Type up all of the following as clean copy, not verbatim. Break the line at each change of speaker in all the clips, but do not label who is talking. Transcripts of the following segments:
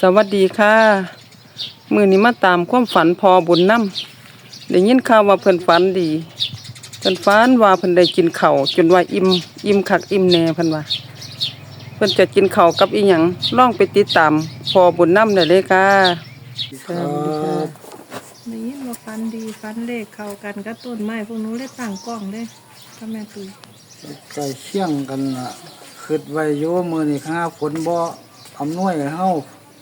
สวัสดีค่ะมื้อนี้มาตามความฝันพอบุญนำได้ยินข่าวว่าเพิ่นฝันดีเพิ่นฝันว่าเพิ่นได้กินข้าวจนว่าอิ่มคักอิ่มแน่เพิ่นว่าเพิ่นจะกินข้าวกับอีหยังลองไปติดตามพอบุญนำได้เลยค่ะสวัสดีค่ะ
ได้ยินว่าฟันดีฟันเลขเข้ากันกับต้นไม้พวกหนู้นเลยตั้งกล้องเลยก็แม่ตุย
ใกล้เคียงกันล่ะคิดไว้อยู่มื้อนี้ข้าฝนบ่อำนวยให้เฮา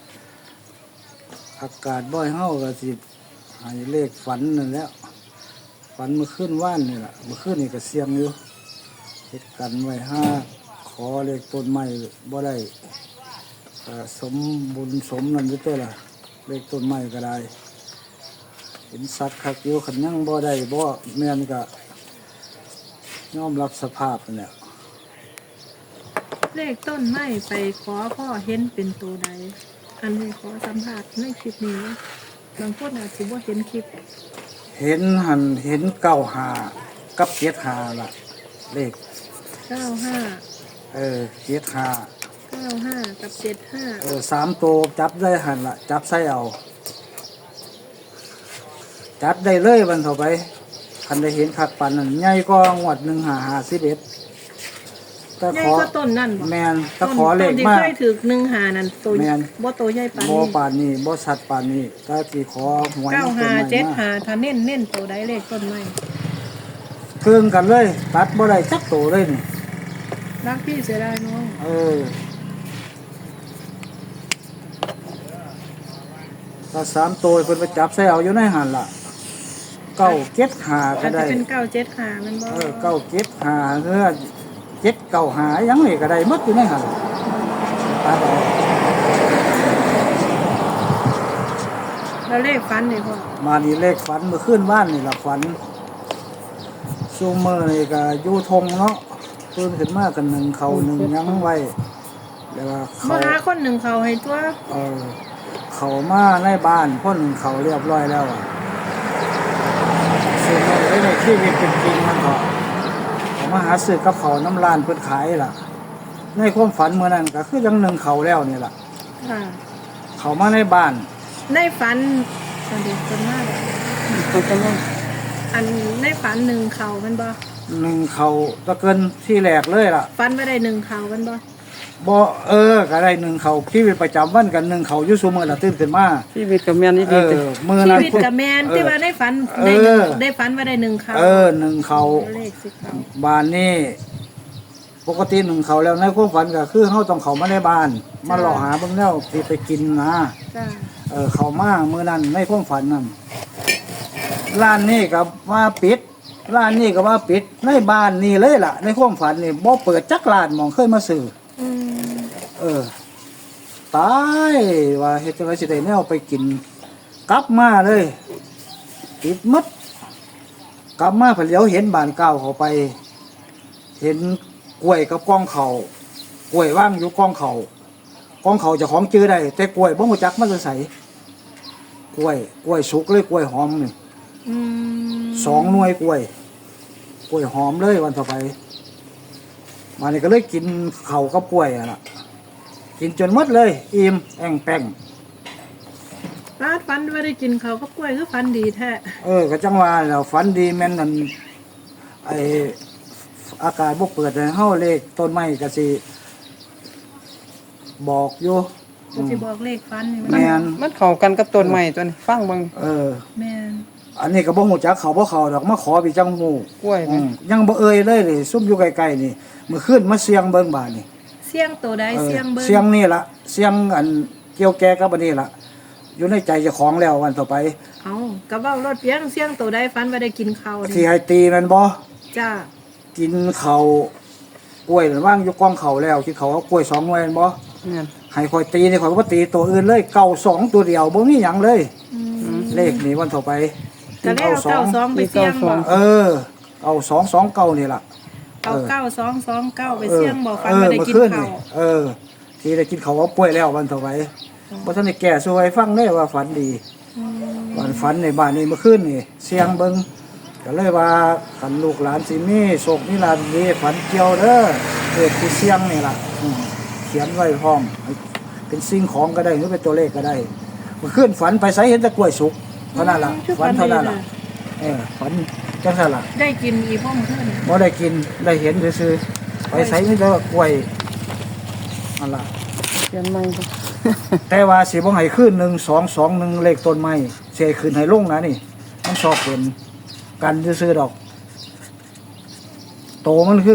อากาศบ่ให้เฮาก็สิให้เลขฝันนั่นแหล้วฝันเมื่อคืนว่านนี่ล่ะเมื่อคืนนี่ก็เสียงอยู่เฮ็ดกันไว้ห้าขอเลขต้นไม้บ่ได้ก็สมบุญสมนั่นอยู่ตัวล่ะเลขต้นไม้ก็ได้เห็นสัตว์คักอยู่คันยังบ่ได้บ่แม่นก็ยอมรับสภาพนั่นแหละ
เลขต้นไม้ไปขอพ่อเห็นเป็นตัวใดอันนี้ขอสัมภาษณ์ในคลิปนี้บางคนอาจจะว่าเห็นคลิป
เห็นหันเห็นเก้าหากับเจ็ดหาล่ะ เลข
95
เจ็ดหา
95กับ75
สามตัวจับได้หันล่ะ จับใส่เอา จับได้เลยวันต่อไปคันได้เห็นขัดปันนั่นใหญ่ก็งวด15511ถ้า
ใหญ่
ขอ
ก็ต้นนั่นบ่
แมนถ้าขอเลข
ต้นที่
มาก
เคยถึก15นั่นตัว
แม่น
บ่โตใหญ่ปาน
บ่
นี้
ป่านนี้บ่สัตว์ป่านนี้ถ้าที่ขอหวยมันเป็น
95
ใหม่มาก
75ถ้าเน้นตัวใดเลขต้นไม้
เครื่องกันเลย ตัดบ่ได้จักตัวเลยนี่
รักพี่เสียดายน้อง
ถ้าสามตัวเพิ่นไปจับใส่เอาอยู่ในหันล่ะเก้าเจ็ดหาก็
อาจจะ
ได้
เป็น975มันบ่
เก้าเจ็ดหาเฮือเจ็ดเก้าหายังนี่ก็ได้หมดอยู่ในหันตัดเอา
แล้วเลขฟันนี่พ่อ
มานี่เลขฝันเมื่อคืนว่านนี่ล่ะฝันซูเมอร์นี่ก็อยู่ทงเนาะตื่นขึ้นมากันหนึ่งเขาหนึ่งยังไว้แล้วก็เขา
มาหาคนหนึ่งเขาให้ตัว
เขามาในบ้านพ่นเขาเรียบร้อยแล้วอะซื้อมาไว้ในชีวิตเป็นจริงมันก็เขามาหาซื้อกับเขาน้ำลานเพื่อขายล่ะ ในความฝันเมื่อนั้นก็คือยังหนึ่งเขาแล้วนี่ล่ะ
ค่ะ
เขามาในบ้าน
ในฝันตอนเด็กคนมาก
ตัวจังว่า
อันในฝันหนึ่งเขามันบ่
หนึ่งเขาตะเกินที่แหลกเลยล่ะ
ฝันไม่ได้หนึ่งเขามันบ่
บ่ก็ได้หนึ่งเขาชีวิตประจำวันกันหนึ่งเขาอยู่ซุมื้อละตื่นขึ้นมา
ชีวิตกับแม่นอีดีจ้ะ
มื้อ
ชี
นั้น
วิตกับแมนที่ว่าในฝันได้หนึ่งได้ฝันว่าได้หนึ่งเขา
หนึ่งเขา
เลขสิเขา
บ้านนี้ปกติหนึ่งเขาแล้วในความฝันก็คือเฮาต้องเขามาในบ้าน มาหล่อหาเบิ่งแล้วสิไปกินนะ
จ้า
เขามามื้อนั้นในความฝันนั่นร้านนี้ก็ว่าปิดร้านนี้ก็ว่าปิดในบ้านนี่เลยล่ะ ในความฝันนี่บ่เปิดจักร้านหมองเคยมาซื้อ
อืม
ตายว่าเฮ็ดจังได๋สิได้แนวไปกิน กลับมาเลยปิดหมดกลับมาเพิ่นเหลียวเห็นบ้านเก่าเขาไป เห็นกล้วยกับกองเขากล้วยว่างอยู่กองเขากองเขาเจ้าของจื้อได้ แต่กล้วยบ่รู้จักมันจะใส่กล้วยสุกเลยกล้วยหอมนี่
อืม
2 หน่วยกล้วยหอมเลยวันต่อไปมานี่ก็เลยกินข้าวกับกล้วยอ่ะล่ะกินจนหมดเลยอิ่มแอ่งแป้ง
ร้านฝันว่าได้กินเขาวกับกล้วยคือฝันดีแท้
ก็จังว่าแล้วฝันดีแม่นนั่นไออากาศบ่เปิดให้เฮาเลขต้นไม้ก็สิบอกอยู่
ก็สิบอกเลขฝันนี่
แม่น
มันเข้ากันกับต้นไม้ตัวนี้ฟังเบิ่ง
แม่น
อันนี้ก็บ่ฮู้จักเขาบ่เขาดอกมาขอพี่จังฮู้
กล้วย
อื
นี่
มยังบ่เอ่ยเลยนี่ซุ่มอยู่ใกล้ๆนี่มื้อคืนมาเสียงเบิ่งบาดนี่
เสียงตัวใดเสียงเบิ้ง
เสียงนี่ล่ะเสียงอันเกี่ยวแก่กับอันนี้ล่ะ อยู่ในใจเจ้าของแล้ววันต่อไป
เอากระเบ้ารถเพียงเสียงตัวใดฝันว่าได้กินเขาว
ที่
นี่
ให้ตีแม่นบ่
จ้า
กินข้าวกล้วยนั่นว่างอยู่กองเขาแล้วกินข้าวเอากล้วย2หน่วยแม่นบ่
แม่น
ให้คอยตีนี่คอยบ่ตีตัวอื่นเลยเก่า2ตัวเดียวบ่มีหยังเลย
อืม
เลขนี่วันต่อไป
ก็เลยเอา92ไปเสี่ยงบ่
เอา229นี่ล่ะ
เอา9229ไปเสี่ยงบ่ฟันบ่ได้กินข้าว
ที่ได้กินข้าวเอาป่วยแล้ววันต่อไปบ่ทันได้แก้สู่ให้ฟังได้ว่าฝันดี
อืม
วันฝันในบ้านนี่เมื่อคืนนี่เสียงเบิ่งก็เลยว่าคันลูกหลานสิมีโชคมีลาภดีฝันเกี่ยวเด้อที่เสียงนี่ล่ะเขียนไว้พร้อมเป็นสิ่งของก็ได้หรือเป็นตัวเลขก็ได้มันขึ้นฝันไปไสเห็นแต่กล้วยสุกเท่านั้นล่ะฝันเท่านั้นล่ะฝันจังซั่นล่ะ
ได้กินอีพ่อมเพื่อน
บ่ได้กินได้เห็นซื่อๆไปไสมีแต่กล้วยนั่นล่ะ
เขียนใหม่บ่
แต่ว่าสิบ่ให้ขึ้น1221เลขต้นไม้สิให้ขึ้นให้ลงนะนี่มันชอบเป็นกันซื่อๆดอก โตมันคือ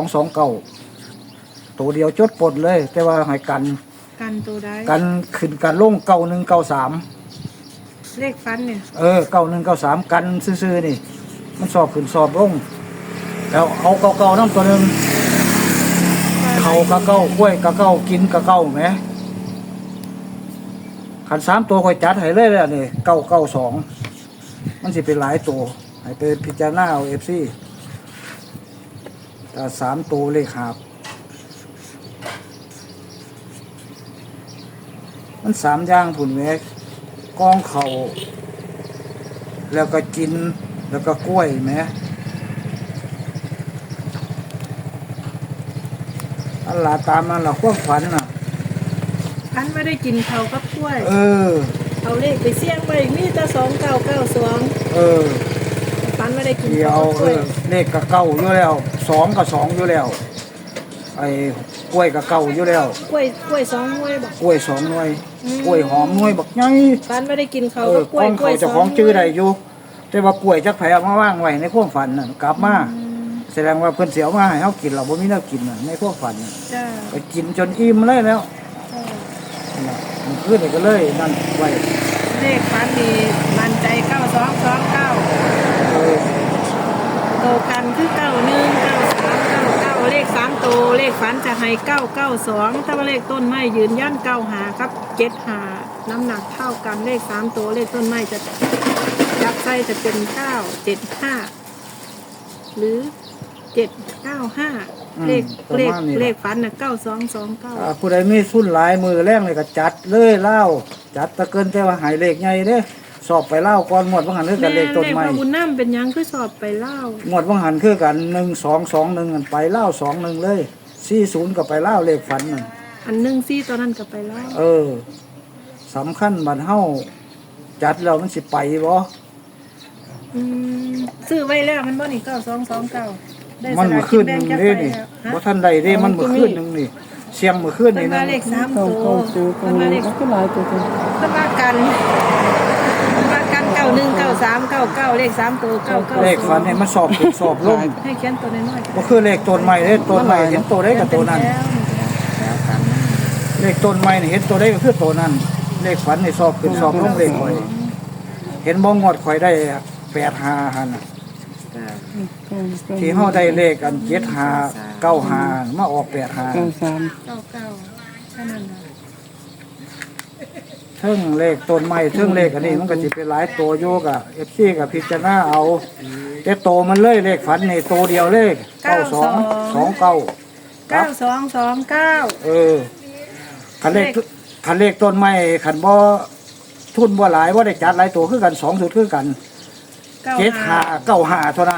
9229ตัวเดียวจดปลดเลย แต่ว่าให้กัน
กันตัวใด
กันขึ้นกันลง9193
เลขฟันเนี่ย
9193กันซื่อๆนี่ มันสอบขึ้นสอบลงแล้วเอาเก่าๆนำตัวหนึงเขากะเก่ากล้วยกะเก่ากินกะเก่าแหมคัน3ตัวค่อยจัดให้เลยแล้วนี่992มันสิเป็นหลายตัวให้ไปพิจารณาเอา FC ถ้า3ตัวเลขหาบมัน3อย่างพุ่นแหมกองเขาแล้วก็กินแล้วก็กล้วยแหมอันล่ะตามนั้นล่ะความฝันน่ะ
ฟันไม่ได้กินเขากับกล้วย
อ
เอาเลขไปเสี่ยงไปมีแต่2992
เออ
ฟันไม่ได้กิน
เดีย
เขา
ว
กับกล้วย
เลขก็เก่าอยู่แล้ว2ก็2อยู่แล้วไอ้กล้วยก็เก่าอยู่แล้ว
กล้วย2หน่วยบอก
กล้วย2หน่วยกล้วยหอมหน่วยบักใหญ่
ฟันไม่ได้กินเขา
เออ
กับกล้วย
ของเขาเจ้าของชื่อใดอยู่ แต่ว่ากล้วยจักไผเอามาว่างไว้ในความฝันน่ะกลับมาแสดงว่าเพิ่นสิเอามาให้เฮากินเราบ่มีแนวกินน่ะในความฝันน่ะ
จ้า
ก็กินจนอิ่มเลยแล้วนั่นล่ะมันคือนี่ก็เลยนั่นไว้
เลขฟันนี่มันใจ9229
เออ
โตกันคือ919399เลข3ตัวเลขฝันจะให้992แต่ว่าเลขต้นไม้ยืนยัน95กับ75น้ำหนักเท่ากันเลข3ตัวเลขต้นไม้จะจับใส่จะเป็น975หรือ795เลขฝันน่ะ9229
ผู้ใดมีทุนหลายมือแรงเลยก็จัดเลยเล่าจัดตะเกินแต่ว่าหายเลขใหญ่เด้สอบไปเล่าก่อนหมดว่างหันคือกันเลขต้นไม้
แม่บุญน้ำเป็นหยังคือสอบไปเล่า
หมดว่างหันคือกัน1221กันไปเล่า21เลย40ก็ไปเล่าเลขฝันนั่น
อันหนึ่งซี่ตอนนั้นก็ไปเล่า
สำคัญบัดเฮาจัดแล้วมันสิไปบ่
ซื้อไว้แล้วมันบ่นี่9229ได้
มัน
สลาก
ขึ้น
แบ่งจัก
เด้
ใบ
นี่
แล้ว
บ่ทันได้เด้มันมื้อคืนนึงนี่เสียงมื้อคืน
เพิ่
นี่
น
นะ
ว่าเลข3
เก่า
ตัว
เก่าซื้อตร
เพิ่
ง
นว่า
นี้
เลข
ก็หลายตัวจัง
เพิ่นว่ากัน919399เลข3ตัว990
เลขฝันนี่มันสอบขึ้นสอบลง
ให้เขียนตัวน้อยๆ
บ่คือเลขต้นไม้เด้ต้นไม้เห็นตัวใดก็ตัวนั้น
แล้วกัน
เลขต้นไม้นี่เห็นตัวใดก็คือตัวนั้น เลขฝันนี่สอบขึ้นสอบลงเลขข่อยเห็นบ่งวดข่อยได้85หั่นน่ะที่เฮาได้เลขอัน7595มาออก85
93
99แค่นั้นน่ะ
เทิงเลขต้นไม้เทิงเลขอันนี้มันก็สิเป็นหลายตัวอยู่กะ FC กับพิจารณาเอาแต่โตมันเลยเลขฝันนี่โตเดียวเลข9229ครับ
9229
คันเลขต้นไม้คันบ่ทุนบ่หลายบ่ได้จัดหลายตัวคือกัน2สุดคือกัน7595เท่านั้น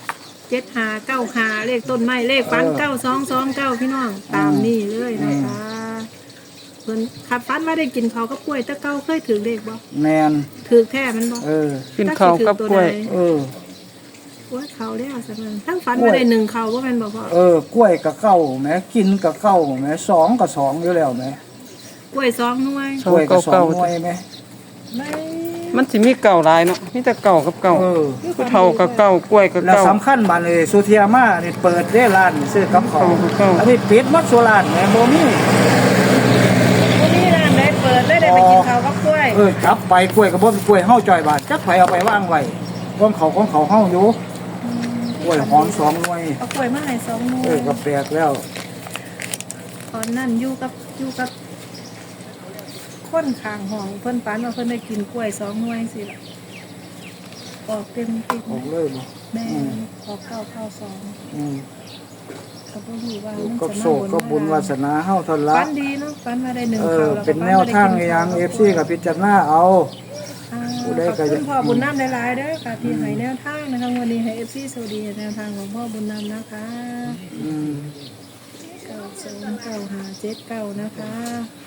7595เลขต้นไม้เลขฟัน9229พี่น้องตามนี่เลยนะคะเพิ่นขับฟันมาได้กินเขาวกับกล้วยแต่เก่าเคยถือเลขบ่
แม่น
ถือแท้มันบ่
กินข้าวกับกล้วย
กล้วยเขาแล้วซั่นนั้นทั้งฟันมาได้หนึ่งเขาบ่แม่นบ่พ่อก
ล้วยกับเก้าแหมกินกับเก้าแหม2กับ2อยู่แล้วแหม
กล้วย2หน่วย
กล้วยกับ2หน่วยแหม
ไม่
มันสิมีเก่าหลายเนาะมีแต่เก่ากับเก่าผู้เฒ่ากับเก่ากล้วยกับ
แล้ว
เก่า
สำคัญบัดนี้สุเทียมานี่เปิดได้ร้านซื้อกับเขาว
เก้า
อันนี้ปิดหมดสุร้านแหมบ่มี
บ่มีร้านใดเปิดเลยได้ไปกินข้าวกับกล้วย
จับไปกล้วยกับบ่กล้วยเฮาจ่อยบาทจักไผเอาไปวางไว้ของเขาเฮาอยู่กล้วยหอม2หน่วย
เอากล้วยมาให้2หน่วย
ก็แปลกแล้ว
ตอนนั้นอยู่กับคนข้างห้องเพิ่นฝันว่าเพิ่นได้กินกล้วย2หน่วยสิล่ะออกเต็มติด
ออกเลยบ่
แม่ออก992
อืม
ก็บ่รู้ว่ามัน
ก็
จะ
โช
มา
คก็บุญวาสนาเฮาเท่านั้น
ฝั
ละ
นดีเนาะฝันมาได้หนึ่งเขาแล้วก็
เป็นแนวทางอย่าง FC กับพิจารณาเอา ผู้ใด
ขอบ
ก็
คุ
จะ
ณพ่อบุญน้ำหลายๆเด้อค่ะที่ให้แนวทางนะคะวันนี้ให้ FC สวัสดีแนวทางของพ่อบุญน้ำนะคะ
อืม
9 2 9 5 7 9นะคะ